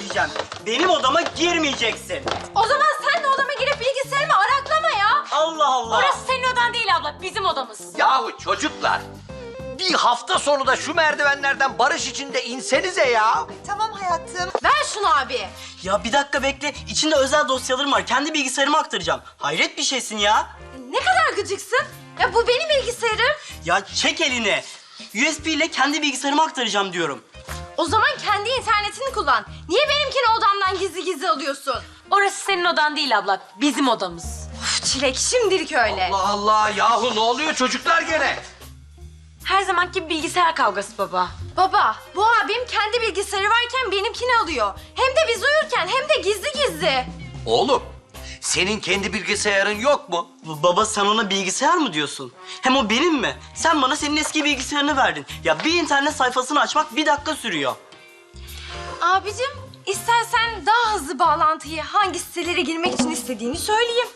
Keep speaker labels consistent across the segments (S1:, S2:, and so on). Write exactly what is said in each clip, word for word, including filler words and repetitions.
S1: edeceğim. Benim odama girmeyeceksin.
S2: O zaman sen de odama girip bilgisayarımı araklama ya.
S1: Allah Allah.
S2: Orası senin odan değil abla, bizim odamız.
S3: Yahu çocuklar, bir hafta sonu da şu merdivenlerden barış içinde insenize ya.
S4: Tamam hayatım.
S2: Ver şunu abi.
S1: Ya bir dakika bekle. İçinde özel dosyalarım var. Kendi bilgisayarıma aktaracağım. Hayret bir şeysin ya.
S2: Ne kadar gıcıksın. Ya bu benim bilgisayarım.
S1: Ya çek elini. U S B ile kendi bilgisayarıma aktaracağım diyorum.
S2: O zaman kendi internetini kullan. Niye benimkini odamdan gizli gizli alıyorsun? Orası senin odan değil abla, bizim odamız. Of Çilek, şimdilik öyle.
S3: Allah Allah, yahu ne oluyor çocuklar gene?
S2: Her zamanki bir bilgisayar kavgası baba. Baba, bu abim kendi bilgisayarı varken benimkini alıyor. Hem de biz uyurken hem de gizli gizli.
S3: Oğlum, senin kendi bilgisayarın yok mu?
S1: B- Baba sen ona bilgisayar mı diyorsun? Hem o benim mi? Sen bana senin eski bilgisayarını verdin. Ya bir internet sayfasını açmak bir dakika sürüyor.
S2: Abicim, istersen daha hızlı bağlantıyı hangi sitelere girmek için istediğini söyleyeyim.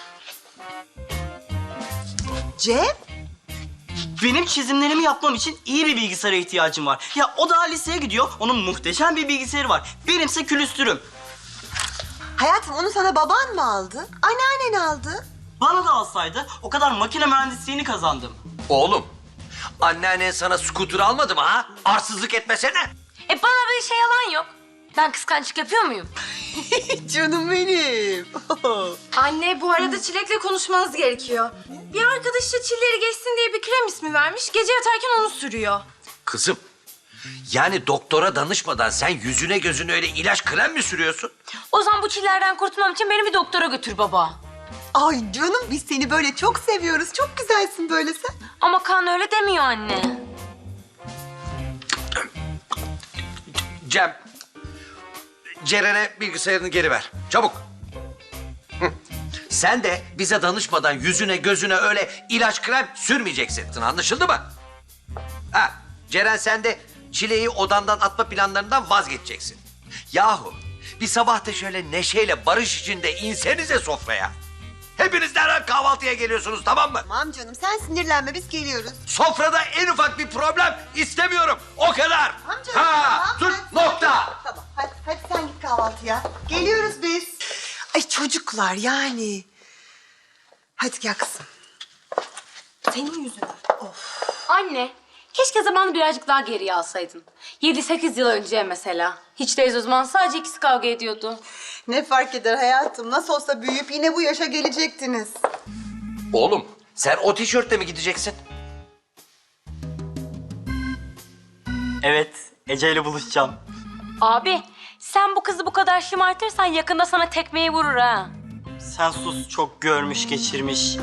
S4: Cem?
S1: Benim çizimlerimi yapmam için iyi bir bilgisayara ihtiyacım var. Ya o daha liseye gidiyor, onun muhteşem bir bilgisayarı var. Benimse külüstürüm.
S4: Hayatım onu sana baban mı aldı? Anneannen aldı.
S1: Bana da alsaydı o kadar makine mühendisliğini kazandım.
S3: Oğlum, anneannen sana scooter almadı mı ha? Arsızlık etmesene.
S2: E bana bir şey yalan yok. Ben kıskançlık yapıyor muyum?
S4: Canım benim.
S2: Anne, bu arada Çilek'le konuşmanız gerekiyor. Bir arkadaşı çilleri geçsin diye bir krem ismi vermiş. Gece yatarken onu sürüyor.
S3: Kızım, yani doktora danışmadan sen yüzüne gözüne öyle ilaç krem mi sürüyorsun?
S2: O zaman bu çillerden kurtulmam için beni bir doktora götür baba.
S4: Ay canım biz seni böyle çok seviyoruz. Çok güzelsin böyle sen.
S2: Ama kan öyle demiyor anne.
S3: Cem, Ceren'e bilgisayarını geri ver. Çabuk. Hı. Sen de bize danışmadan yüzüne gözüne öyle ilaç krem sürmeyeceksin. Anlaşıldı mı? Ha, Ceren sen de Çile'yi odandan atma planlarından vazgeçeceksin. Yahu bir sabah da şöyle neşeyle barış içinde insenize sofraya. Hepiniz derhal kahvaltıya geliyorsunuz, tamam mı?
S4: Tamam canım sen sinirlenme biz geliyoruz.
S3: Sofrada en ufak bir problem istemiyorum. O kadar.
S4: Tamam canım.
S3: Ha,
S4: tamam,
S3: dur,
S4: hadi,
S3: nokta.
S4: Tamam hadi, hadi sen git kahvaltıya. Geliyoruz biz. Ay çocuklar yani. Hadi gel kızım. Senin yüzünden. Of.
S5: Anne, keşke zamanı birazcık daha geriye alsaydın. Yedi sekiz yıl önce mesela. Hiç değilse o zaman sadece ikisi kavga ediyordu.
S4: Ne fark eder hayatım? Nasıl olsa büyüyüp yine bu yaşa gelecektiniz.
S3: Oğlum sen o tişörtle mi gideceksin?
S1: Evet, Ece ile buluşacağım.
S5: Abi, sen bu kızı bu kadar şımartırsan yakında sana tekmeyi vurur ha.
S1: Sen sus, çok görmüş geçirmiş.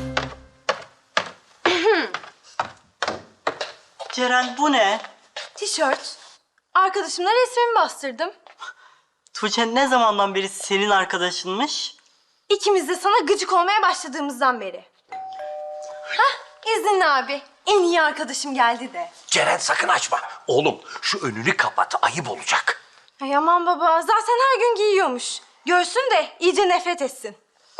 S1: Ceren bu ne?
S2: Tişört. Arkadaşımla resmimi bastırdım.
S1: Tuğçe ne zamandan beri senin arkadaşınmış?
S2: İkimiz de sana gıcık olmaya başladığımızdan beri. Hah, izinli abi. En iyi arkadaşım geldi de.
S3: Ceren sakın açma. Oğlum şu önünü kapat, ayıp olacak.
S2: Ay aman baba, zaten her gün giyiyormuş. Görsün de iyice nefret etsin.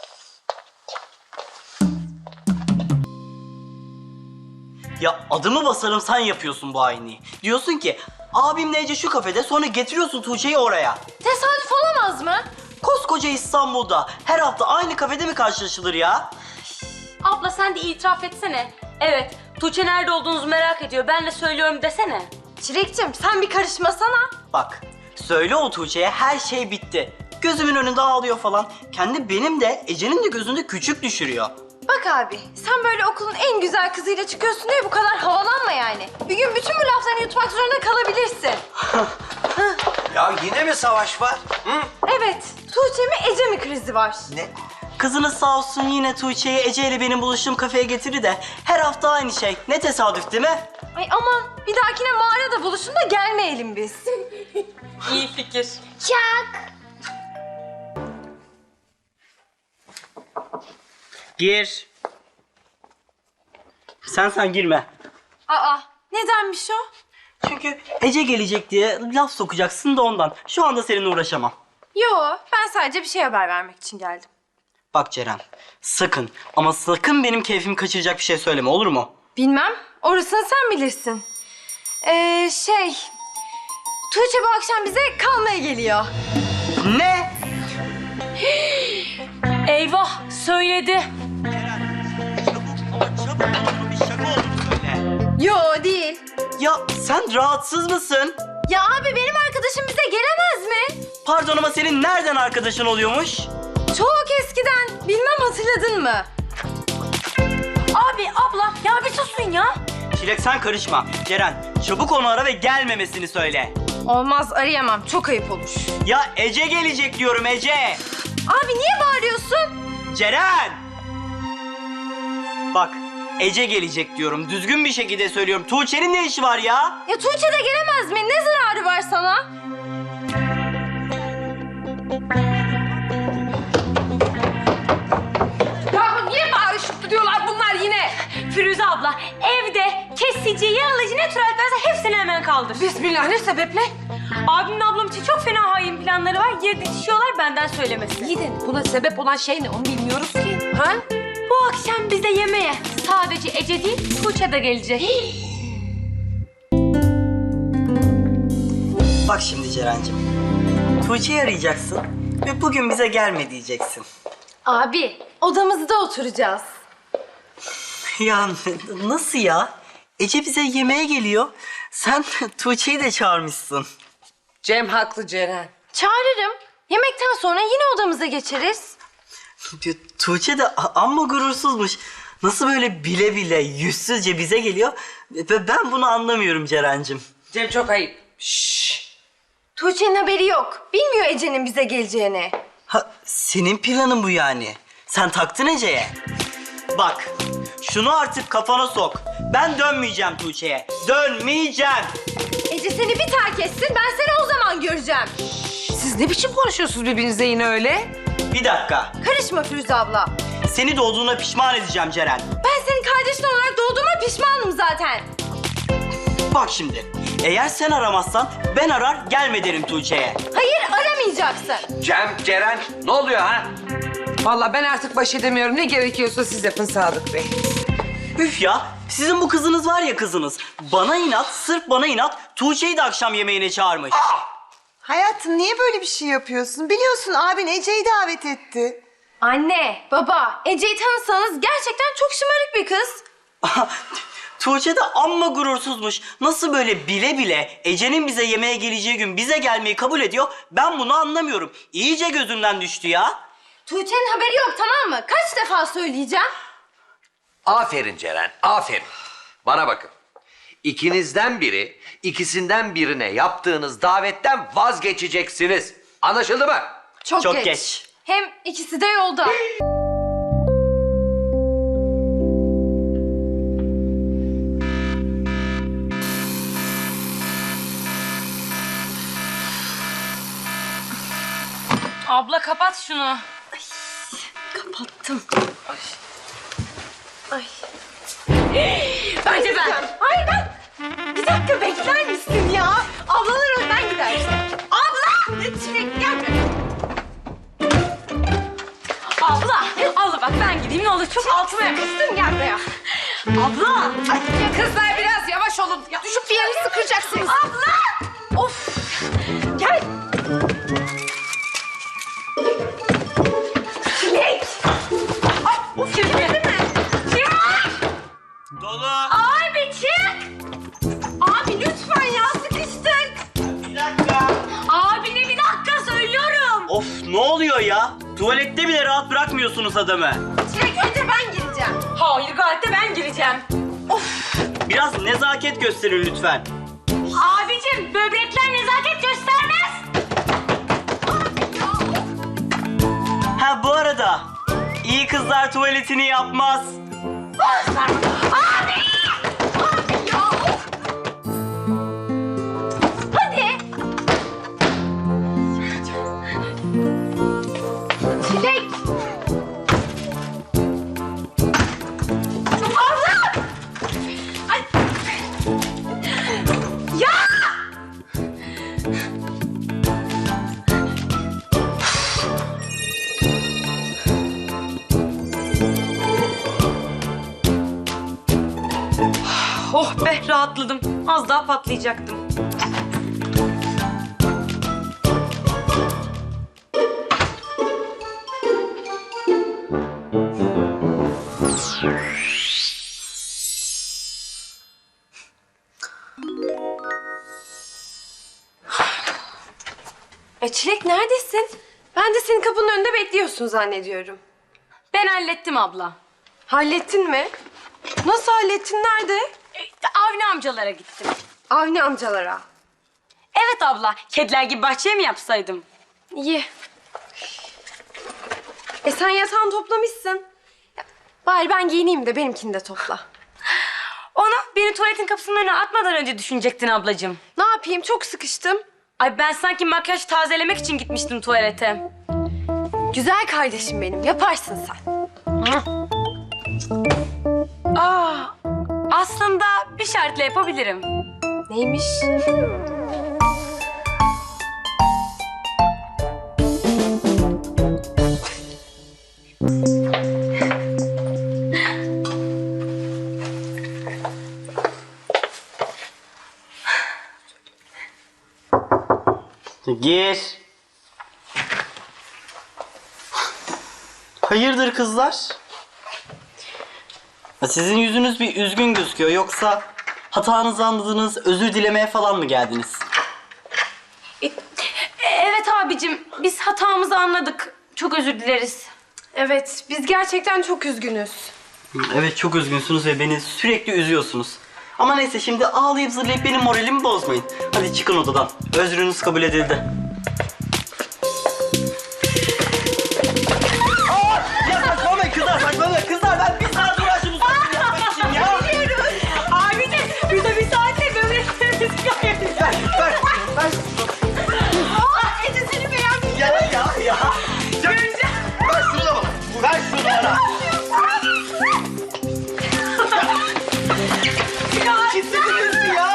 S1: Ya adımı basarım sen yapıyorsun bu aynıyı. Diyorsun ki abimle Ece şu kafede, sonra getiriyorsun Tuğçe'yi oraya.
S2: Tesadüf olamaz mı?
S1: Koskoca İstanbul'da her hafta aynı kafede mi karşılaşılır ya?
S5: Abla sen de itiraf etsene. Evet, Tuğçe nerede olduğunuzu merak ediyor. Ben de söylüyorum desene.
S2: Çilek'cim sen bir karışmasana.
S1: Bak söyle o Tuğçe'ye her şey bitti. Gözümün önünde ağlıyor falan. Kendi benim de Ece'nin de gözünde küçük düşürüyor.
S2: Bak abi, sen böyle okulun en güzel kızıyla çıkıyorsun diye bu kadar havalanma yani. Bir gün bütün bu laflarını yutmak zorunda kalabilirsin.
S3: Ya yine mi savaş var? Hı?
S2: Evet, Tuğçe mi Ece mi krizi var?
S3: Ne?
S1: Kızınız sağ olsun yine Tuğçe'yi Ece ile benim buluştuğum kafeye getirir de her hafta aynı şey. Ne tesadüf değil mi?
S2: Ay aman, bir dahakine mağarada buluşun da gelmeyelim biz.
S5: İyi fikir.
S1: Gir. Sen sen girme.
S2: Aa, nedenmiş o?
S1: Çünkü Ece gelecek diye laf sokacaksın da ondan. Şu anda seninle uğraşamam.
S2: Yo, ben sadece bir şey haber vermek için geldim.
S1: Bak Ceren, sakın ama sakın benim keyfimi kaçıracak bir şey söyleme, olur mu?
S2: Bilmem, orasını sen bilirsin. Ee, şey... Tuğçe bu akşam bize kalmaya geliyor.
S1: Ne?
S5: Eyvah söyledi.
S1: Çabuk ama çabuk bunu bir şaka olduğunu söyle.
S2: Yo değil.
S1: Ya sen rahatsız mısın?
S2: Ya abi benim arkadaşım bize gelemez mi?
S1: Pardon ama senin nereden arkadaşın oluyormuş?
S2: Çok eskiden. Bilmem hatırladın mı?
S5: Abi abla ya bir susun ya.
S1: Çilek sen karışma. Ceren çabuk onu ara ve gelmemesini söyle.
S2: Olmaz arayamam. Çok ayıp olur.
S1: Ya Ece gelecek diyorum Ece.
S2: Abi niye bağırıyorsun?
S1: Ceren! Bak Ece gelecek diyorum. Düzgün bir şekilde söylüyorum. Tuğçe'nin ne işi var ya?
S2: Ya Tuğçe de gelemez mi? Ne zararı var sana?
S5: Ya niye bağırışıp duruyorlar bunlar yine? Firuze abla evde kesici, yağlayıcı ne tür varsa hepsini hemen kaldır.
S6: Bismillah, ne sebeple?
S5: Abimle ablam için çok fena hain planları var. Yer didişiyorlar benden söylemesi.
S6: İyi de buna sebep olan şey ne onu bilmiyoruz ki. Ha?
S5: Bu akşam bize yemeğe sadece Ece değil Tuğçe de gelecek.
S1: Bak şimdi Ceren'cim. Tuğçe'yi arayacaksın ve bugün bize gelme diyeceksin.
S2: Abi odamızda oturacağız.
S1: Ya nasıl ya? Ece bize yemeğe geliyor. Sen Tuğçe'yi de çağırmışsın.
S6: Cem haklı Ceren.
S2: Çağırırım. Yemekten sonra yine odamıza geçeriz.
S1: Tuğçe de a- amma gurursuzmuş. Nasıl böyle bile bile yüzsüzce bize geliyor? Ve ben bunu anlamıyorum Ceren'cim.
S6: Cem çok ayıp. Şşş.
S2: Tuğçe'nin haberi yok. Bilmiyor Ece'nin bize geleceğini.
S1: Ha, senin planın bu yani. Sen taktın Ece'ye. Bak, şunu artık kafana sok. Ben dönmeyeceğim Tuğçe'ye. Dönmeyeceğim.
S2: Ece seni bir terk etsin, ben seni o zaman göreceğim.
S6: Siz ne biçim konuşuyorsunuz birbirinize yine öyle?
S1: Bir dakika.
S2: Karışma Firuze abla.
S1: Seni doğduğuna pişman edeceğim Ceren.
S2: Ben senin kardeşin olarak doğduğuma pişmanım zaten.
S1: Bak şimdi. Eğer sen aramazsan ben arar gelme derim Tuğçe'ye.
S2: Hayır, aramayacaksın.
S3: Cem, Ceren ne oluyor ha?
S6: Vallahi ben artık baş edemiyorum. Ne gerekiyorsa siz yapın Sadık Bey.
S1: Üf ya. Sizin bu kızınız var ya kızınız. Bana inat, sırf bana inat Tuğçe'yi de akşam yemeğine çağırmış.
S4: Hayatım niye böyle bir şey yapıyorsun? Biliyorsun abin Ece'yi davet etti.
S2: Anne, baba, Ece'yi tanısanız gerçekten çok şımarık bir kız.
S1: Tuğçe de amma gurursuzmuş. Nasıl böyle bile bile Ece'nin bize yemeğe geleceği gün bize gelmeyi kabul ediyor? Ben bunu anlamıyorum. İyice gözümden düştü ya.
S2: Tuğçe'nin haberi yok, tamam mı? Kaç defa söyleyeceğim?
S3: Aferin Ceren, aferin. Bana bakın. İkinizden biri, ikisinden birine yaptığınız davetten vazgeçeceksiniz. Anlaşıldı mı?
S2: Çok,
S1: Çok
S2: geç.
S1: geç.
S2: Hem ikisi de yolda.
S5: Abla kapat şunu.
S2: Kapattım. Ay.
S5: Bence ben.
S2: Hayır ben. Bir dakika bekler misin ya? Ablalar önden gider. Abla! Çilek gel.
S5: Abla, abla bak ben gideyim ne olur çok altıma yakıştın gel buraya. Abla.
S6: Ay, kızlar biraz yavaş olun. Düşüp bir yerini sıkıracaksınız.
S2: Abla! Of! Gel. Çilek! Ay, of çevirdi mi? Çilek!
S1: Dolu.
S2: Abi çık! Abi lütfen ya sıkıştık.
S1: Bir dakika.
S5: Abine bir dakika söylüyorum.
S1: Of ne oluyor ya? Tuvalette bile rahat bırakmıyorsunuz adamı.
S2: Çilek önce ben gireceğim.
S5: Hayır gayet de ben gireceğim.
S1: Biraz nezaket gösterin lütfen.
S5: Abicim böbrekler nezaket göstermez.
S1: Ha bu arada iyi kızlar tuvaletini yapmaz.
S2: Abi! Abi ya of! Hadi! Çilek! Abla! Ay! Ya!
S5: Oh be rahatladım. Az daha patlayacaktım.
S2: E Çilek neredesin? Ben de senin kapının önünde bekliyorsun zannediyorum.
S5: Ben hallettim abla.
S2: Hallettin mi? Nasıl hallettin? Nerede?
S5: E, Avni amcalara gittim.
S2: Avni amcalara.
S5: Evet abla, kediler gibi bahçeye mi yapsaydım?
S2: İyi. E sen yatağını toplamışsın. Ya, bari ben giyineyim de benimkini de topla.
S5: Onu beni tuvaletin kapısının önüne atmadan önce düşünecektin ablacığım.
S2: Ne yapayım? Çok sıkıştım.
S5: Ay ben sanki makyaj tazelemek için gitmiştim tuvalete.
S2: Güzel kardeşim benim. Yaparsın sen.
S5: Aa, aslında bir şartla yapabilirim.
S2: Neymiş?
S1: Gir. Hayırdır kızlar? Ya sizin yüzünüz bir üzgün gözüküyor. Yoksa hatanızı anladınız, özür dilemeye falan mı geldiniz?
S5: E, evet abicim, biz hatamızı anladık. Çok özür dileriz.
S2: Evet, biz gerçekten çok üzgünüz.
S1: Evet, çok üzgünsünüz ve beni sürekli üzüyorsunuz. Ama neyse, şimdi ağlayıp zırlayıp benim moralimi bozmayın. Hadi çıkın odadan. Özrünüz kabul edildi. Aa! Ya saçmalamayın kızlar, saçmalamayın. Kızlar, ben bir saat uğraştım bu saçını yapmak için ya.
S5: Abicim, burada bir saatte böyle
S1: Ver, ver, ver.
S2: Aa, Ece seni beğendim.
S1: Ya, ya, ya. Ver şunu da bana. Ver şunu bana. Kimsiniz ya?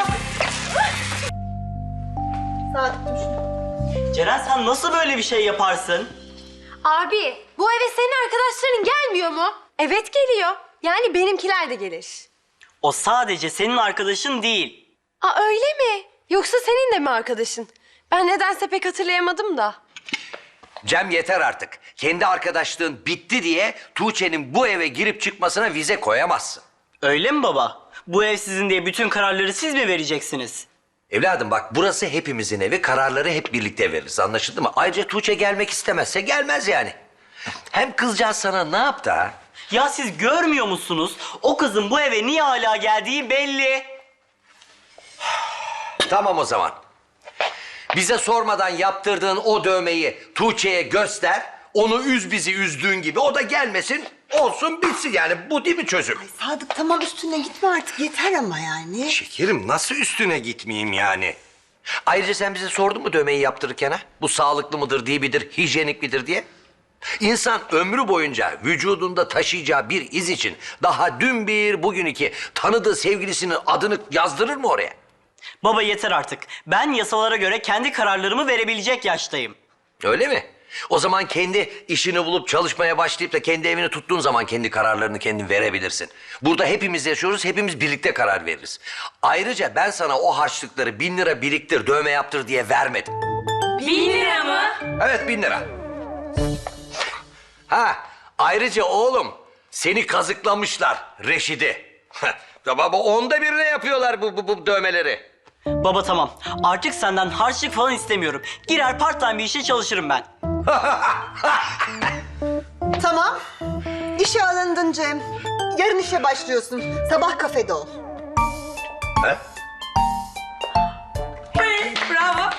S4: Sadık dur şunu.
S1: Ceren, sen nasıl böyle bir şey yaparsın?
S2: Abi, bu eve senin arkadaşların gelmiyor mu? Evet geliyor. Yani benimkiler de gelir.
S1: O sadece senin arkadaşın değil.
S2: Aa öyle mi? Yoksa senin de mi arkadaşın? Ben nedense pek hatırlayamadım da.
S3: Cem yeter artık. Kendi arkadaşlığın bitti diye Tuğçe'nin bu eve girip çıkmasına vize koyamazsın.
S1: Öyle mi baba? Bu ev sizin diye bütün kararları siz mi vereceksiniz?
S3: Evladım bak, burası hepimizin evi, kararları hep birlikte veririz, anlaşıldı mı? Ayrıca Tuğçe gelmek istemezse gelmez yani. Hem kızcağız sana ne yaptı ha?
S1: Ya siz görmüyor musunuz? O kızın bu eve niye hala geldiği belli.
S3: Tamam o zaman. Bize sormadan yaptırdığın o dövmeyi Tuğçe'ye göster. Onu üz bizi üzdüğün gibi. O da gelmesin, olsun bitsin yani. Bu değil mi çözüm?
S4: Sadık tamam, üstüne gitme artık, yeter ama yani.
S3: Şekerim, nasıl üstüne gitmeyeyim yani? Ayrıca sen bize sordun mu dövmeyi yaptırırken ha? Bu sağlıklı mıdır, değil midir, hijyenik midir diye? İnsan ömrü boyunca vücudunda taşıyacağı bir iz için daha dün bir, bugün iki tanıdığı sevgilisinin adını yazdırır mı oraya?
S1: Baba yeter artık. Ben yasalara göre kendi kararlarımı verebilecek yaştayım.
S3: Öyle mi? O zaman kendi işini bulup çalışmaya başlayıp da kendi evini tuttuğun zaman kendi kararlarını kendin verebilirsin. Burada hepimiz yaşıyoruz, hepimiz birlikte karar veririz. Ayrıca ben sana o harçlıkları bin lira biriktir, dövme yaptır diye vermedim.
S5: Bin lira mı?
S3: Evet, bin lira. Ha, ayrıca oğlum seni kazıklamışlar Reşid'i. Baba onda birine yapıyorlar bu, bu, bu dövmeleri.
S1: Baba tamam. Artık senden harçlık falan istemiyorum. Girer part time bir işe çalışırım ben.
S4: Tamam. İşe alındın Cem. Yarın işe başlıyorsun. Sabah kafede ol.
S3: He?
S5: Bravo.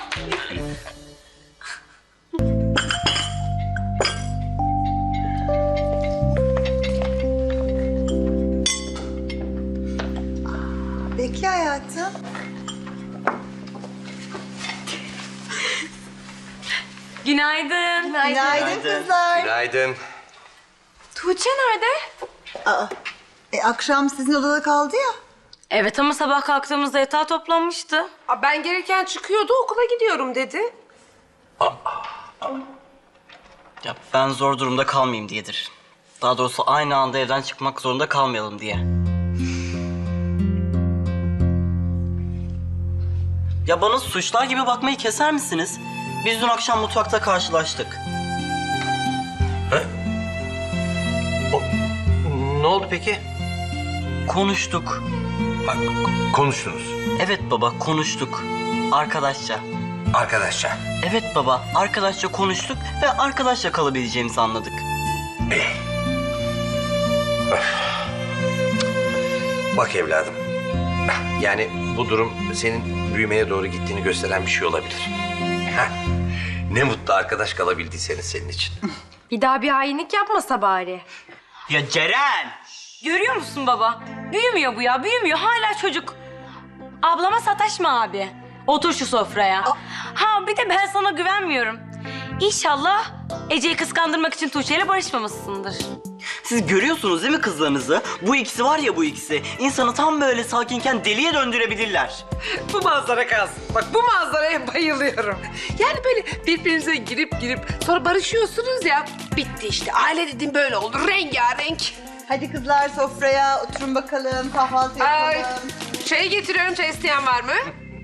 S4: Bekle hayatım.
S5: Günaydın.
S4: Günaydın,
S1: Günaydın.
S4: kızlar.
S3: Günaydın.
S2: Tuğçe nerede?
S4: Aa, e, akşam sizin odada kaldı ya.
S5: Evet ama sabah kalktığımızda yatağı toplanmıştı.
S2: Aa, ben gelirken çıkıyordu, okula gidiyorum dedi.
S1: Ya ben zor durumda kalmayayım diyedir. Daha doğrusu aynı anda evden çıkmak zorunda kalmayalım diye. Ya bana suçlar gibi bakmayı keser misiniz? Biz dün akşam mutfakta karşılaştık.
S3: Ne oldu peki?
S1: Konuştuk.
S3: Ha, konuştunuz.
S1: Evet baba, konuştuk. Arkadaşça.
S3: Arkadaşlar.
S1: Evet baba, arkadaşça konuştuk ve arkadaşça kalabileceğimizi anladık.
S3: Bak evladım. Yani bu durum senin büyümeye doğru gittiğini gösteren bir şey olabilir. Heh. Ne mutlu arkadaş kalabildiyseniz senin için.
S2: Bir daha bir hainlik yapmasa bari.
S1: Ya Ceren!
S5: Görüyor musun baba? Büyümüyor bu ya, büyümüyor. Hala çocuk. Ablama sataşma abi. Otur şu sofraya. Ha bir de ben sana güvenmiyorum. İnşallah Ece'yi kıskandırmak için Tuğçe ile barışmamışsındır.
S1: Siz görüyorsunuz değil mi kızlarınızı? Bu ikisi var ya bu ikisi. İnsanı tam böyle sakinken deliye döndürebilirler.
S6: Bu manzara kalsın. Bak bu manzaraya bayılıyorum. Yani böyle birbirinize girip girip sonra barışıyorsunuz ya. Bitti işte. Aile dediğim böyle oldu. Rengarenk.
S4: Hadi kızlar sofraya oturun bakalım. Kahvaltı
S6: Ay,
S4: yapalım.
S6: çay getiriyorum. Çay isteyen var mı?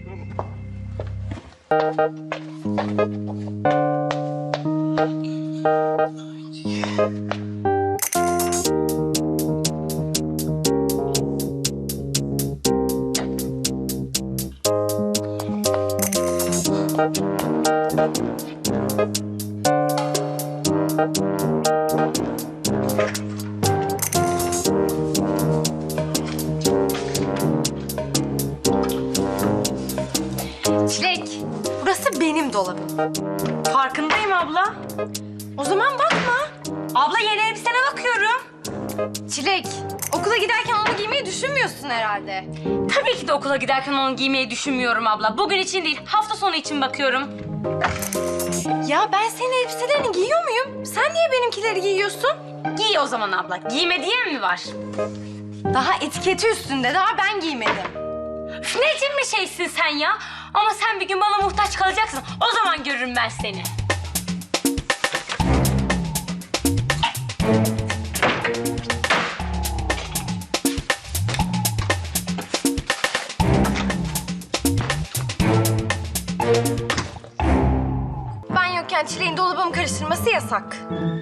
S2: Çilek, burası benim dolabım.
S5: Farkındayım abla.
S2: O zaman bakma.
S5: Abla yeni elbisene bakıyorum.
S2: Çilek, okula giderken onu giymeyi düşünmüyorsun herhalde.
S5: Tabii ki de okula giderken onu giymeyi düşünmüyorum abla. Bugün için değil, hafta sonu için bakıyorum.
S2: Ya ben senin elbiselerini giyiyor muyum? Sen niye benimkileri giyiyorsun?
S5: Giy o zaman abla. Giyme diyen mi var?
S2: Daha etiketi üstünde, daha ben giymedim.
S5: Üf, ne cimri şeysin sen ya? Ama sen bir gün bana muhtaç kalacaksın. O zaman görürüm ben seni.
S2: Ben yokken Çilek'in dolabımı karıştırması yasak.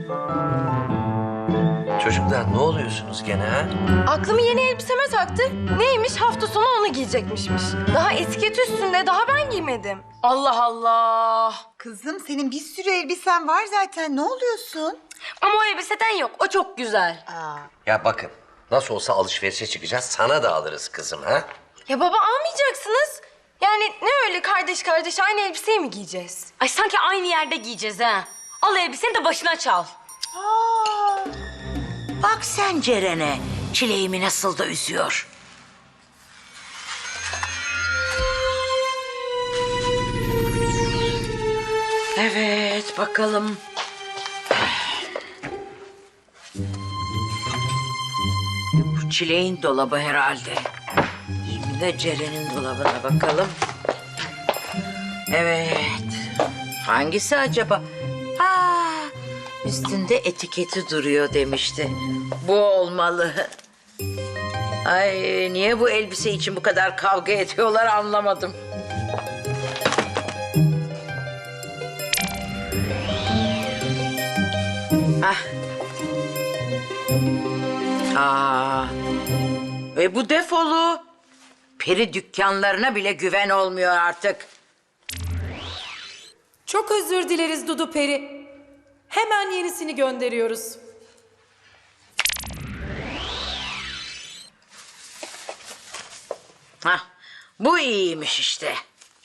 S3: Çocuklar ne oluyorsunuz gene ha?
S2: Aklımı yeni elbiseme taktı. Neymiş? Hafta sonu onu giyecekmişmiş. Daha etiket üstünde, daha ben giymedim.
S5: Allah Allah.
S4: Kızım senin bir sürü elbisen var zaten. Ne oluyorsun?
S5: Ama o elbiseden yok. O çok güzel.
S4: Aa,
S3: Ya bakın nasıl olsa alışverişe çıkacağız. Sana da alırız kızım ha?
S2: Ya baba almayacaksınız. Yani ne öyle kardeş kardeş aynı elbiseyi mi giyeceğiz?
S5: Ay sanki aynı yerde giyeceğiz ha. Al elbiseni de başına çal.
S7: Bak sen Ceren'e, çileğimi nasıl da üzüyor. Evet, bakalım. Bu çileğin dolabı herhalde. Şimdi de Ceren'in dolabına bakalım. Evet. Hangisi acaba? Ha, üstünde etiketi duruyor demişti. Bu olmalı. Ay niye bu elbise için bu kadar kavga ediyorlar anlamadım. Ah. Aa. Ve bu defolu. Peri dükkanlarına bile güven olmuyor artık.
S8: Çok özür dileriz Dudu Peri. Hemen yenisini gönderiyoruz.
S7: Hah, bu iyiymiş işte.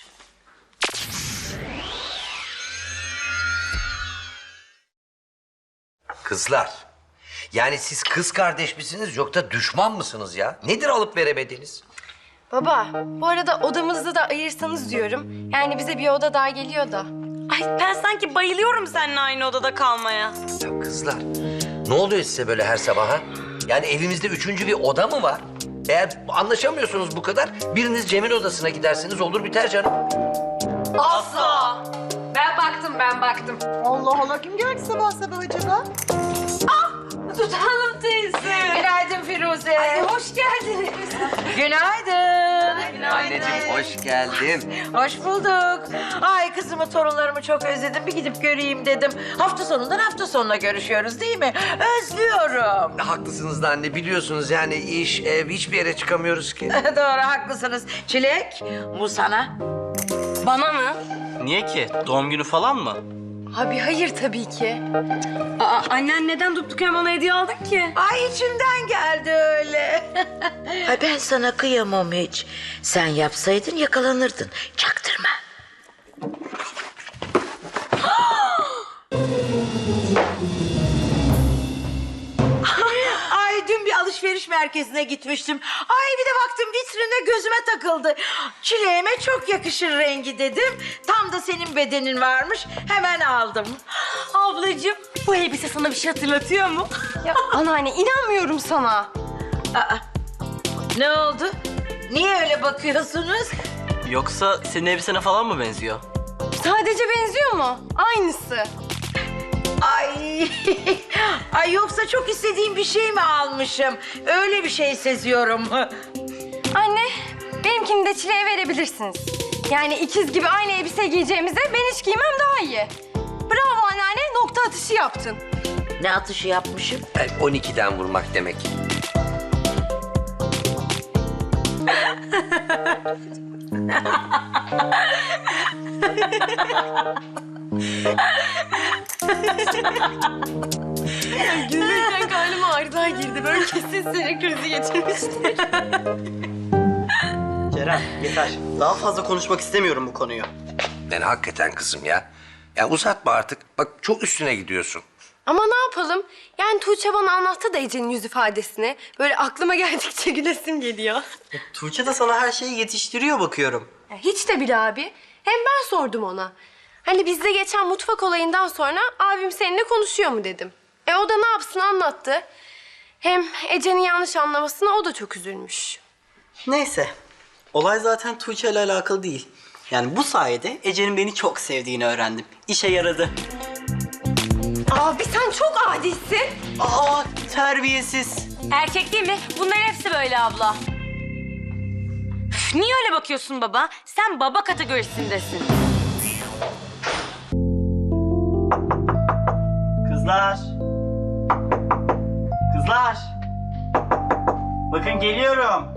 S3: Kızlar. Yani siz kız kardeş misiniz yoksa düşman mısınız ya? Nedir alıp veremediniz?
S2: Baba, bu arada odamızı da ayırsanız diyorum. Yani bize bir oda daha geliyor da.
S5: Ay ben sanki bayılıyorum seninle aynı odada kalmaya.
S3: Ya kızlar ne oluyor size böyle her sabah ha? Yani evimizde üçüncü bir oda mı var? Eğer anlaşamıyorsunuz bu kadar biriniz Cem'in odasına giderseniz olur biter canım.
S5: Asla.
S6: Ben baktım, ben baktım.
S4: Allah Allah kim geldi sabah sabah acaba?
S5: Tut Hanım teyze.
S7: Günaydın Firuze.
S5: Ay, hoş geldiniz.
S7: Günaydın.
S3: Anneciğim hoş geldin.
S7: Hoş bulduk. Ay kızımı, torunlarımı çok özledim. Bir gidip göreyim dedim. Hafta sonundan hafta sonuna görüşüyoruz değil mi? Özlüyorum.
S3: Haklısınız da anne biliyorsunuz yani iş ev hiçbir yere çıkamıyoruz ki.
S7: Doğru haklısınız. Çilek bu sana.
S5: Bana mı?
S1: Niye ki? Doğum günü falan mı?
S2: Abi hayır tabii ki.
S5: Aa, annen neden durduk yere bana hediye aldın ki?
S7: Ay içimden geldi öyle. Ay ben sana kıyamam hiç. Sen yapsaydın yakalanırdın. Çaktırma. Ay dün bir alışveriş merkezine gitmiştim. Ay bir de baktım vitrine gözüme takıldı. Çileğime çok yakışır rengi dedim. Tam da senin bedenin varmış. Hemen aldım.
S5: Ablacığım bu elbise sana bir şey hatırlatıyor mu?
S2: Ya anneanne inanmıyorum sana.
S7: Aa, ne oldu? Niye öyle bakıyorsunuz?
S1: Yoksa senin elbisene falan mı benziyor?
S2: Sadece benziyor mu? Aynısı.
S7: Ay, ay yoksa çok istediğim bir şey mi almışım? Öyle bir şey seziyorum.
S2: Anne, benimkini de Çile'ye verebilirsiniz. Yani ikiz gibi aynı elbise giyeceğimize ben hiç giymem daha iyi. Bravo anneanne, nokta atışı yaptın.
S7: Ne atışı yapmışım?
S3: on ikiden vurmak demek.
S2: Gülmekten karnım ağrıdan girdi. Böyle kesin sinir krizi geçirmişti.
S1: Ceren yeter. Daha fazla konuşmak istemiyorum bu konuyu.
S3: Yani hakikaten kızım ya. Ya uzatma artık. Bak çok üstüne gidiyorsun.
S2: Ama ne yapalım? Yani Tuğçe bana anlattı da Ece'nin yüz ifadesini. Böyle aklıma geldikçe gülesim geliyor.
S1: Tuğçe de sana her şeyi yetiştiriyor bakıyorum.
S2: Ya hiç de bile abi. Hem ben sordum ona. Hani bizde geçen mutfak olayından sonra abim seninle konuşuyor mu dedim. E o da ne yapsın anlattı. Hem Ece'nin yanlış anlamasına o da çok üzülmüş.
S1: Neyse. Olay zaten Tuğçe ile alakalı değil. Yani bu sayede Ece'nin beni çok sevdiğini öğrendim. İşe yaradı.
S2: Abi sen çok adisin.
S1: Aa terbiyesiz.
S5: Erkek değil mi? Bunların hepsi böyle abla. Üf, niye öyle bakıyorsun baba? Sen baba kategorisindesin.
S1: Kızlar. Kızlar. Bakın geliyorum.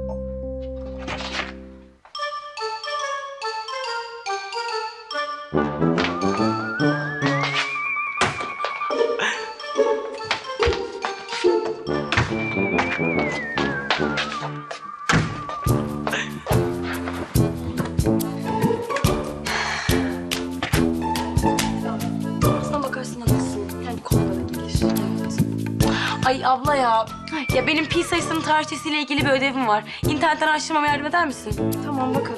S2: Aslına bakarsın haklısın. Yani konulara gelir.
S5: Ay abla ya. Ya benim pi sayısının tarihçesiyle ilgili bir ödevim var. İnternetten araştırmama yardım eder misin?
S2: Tamam bakalım.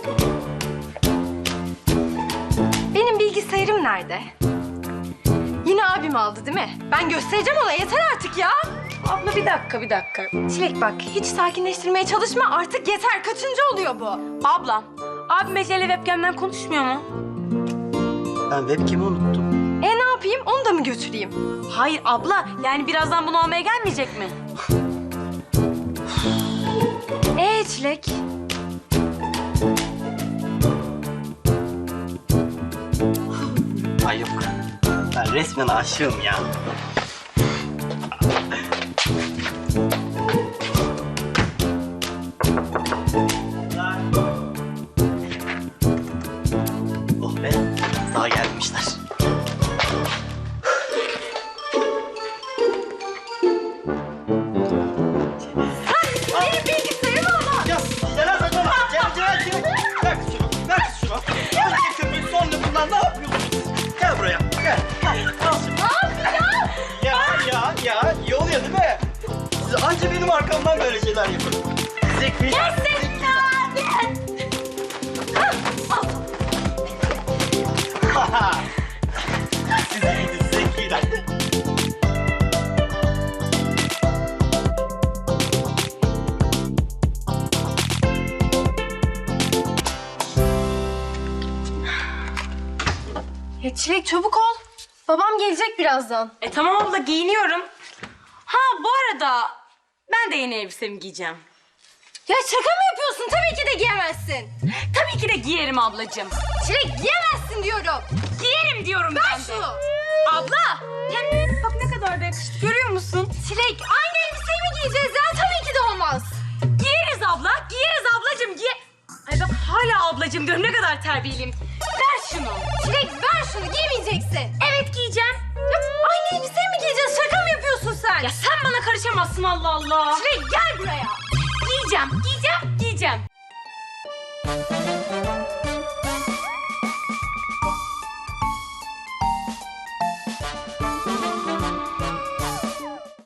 S2: Benim bilgisayarım nerede? Yine abim aldı değil mi? Ben göstereceğim ona yeter artık ya.
S5: Abla bir dakika bir dakika.
S2: Çilek bak hiç sakinleştirmeye çalışma artık yeter. Kaçıncı oluyor bu?
S5: Ablam, abim Ece'yle webcam'den konuşmuyor mu?
S1: Ben webcam'i unuttum.
S2: E ne yapayım onu da mı götüreyim?
S5: Hayır abla, yani birazdan bunu almaya gelmeyecek mi?
S2: Ee Çilek?
S1: Ay yok. Ben resmen aşığım ya. Oh be, daha gelmişler.
S2: Benim bilgisayarım ama.
S1: Ya Ceren saçmalama. Ceren, Ceren, Ceren. Ver kız şunu, ver kız şunu. Önce köpüğü sonra bunlar ne yapıyorsunuz? Gel buraya, gel. Gel, al şunu.
S2: Ne yapacağım?
S1: Ya, ya, ya. İyi oluyor değil mi? Siz anca benim arkamdan böyle şeyler yapın. Zeki.
S2: Gerçekten.
S1: Sizi gidin zekiler.
S2: Ya Çilek çabuk ol. Babam gelecek birazdan.
S5: E tamam abla, giyiniyorum. Ha bu arada ben de yeni elbisemi giyeceğim.
S2: Ya şaka mı yapıyorsun? Tabii ki de giyemezsin.
S5: Tabii ki de giyerim ablacığım.
S2: Çilek giyemezsin diyorum.
S5: Giyerim diyorum
S2: Ver
S5: ben de.
S2: şunu.
S5: Abla, hem bak ne kadar da yakıştı, görüyor musun?
S2: Çilek aynı elbiseyi mi giyeceğiz ya? Tabii ki de olmaz.
S5: Giyeriz abla, giyeriz ablacığım, giye... Ay bak hala ablacığım diyorum, ne kadar terbiyeliyim. Ver şunu.
S2: Çilek ver şunu, giymeyeceksin.
S5: Evet giyeceğim.
S2: Ya aynı elbiseyi mi giyeceksin? Şaka mı yapıyorsun sen?
S5: Ya sen bana karışamazsın Allah Allah.
S2: Çilek gel buraya.
S5: Giyeceğim, giyeceğim, giyeceğim.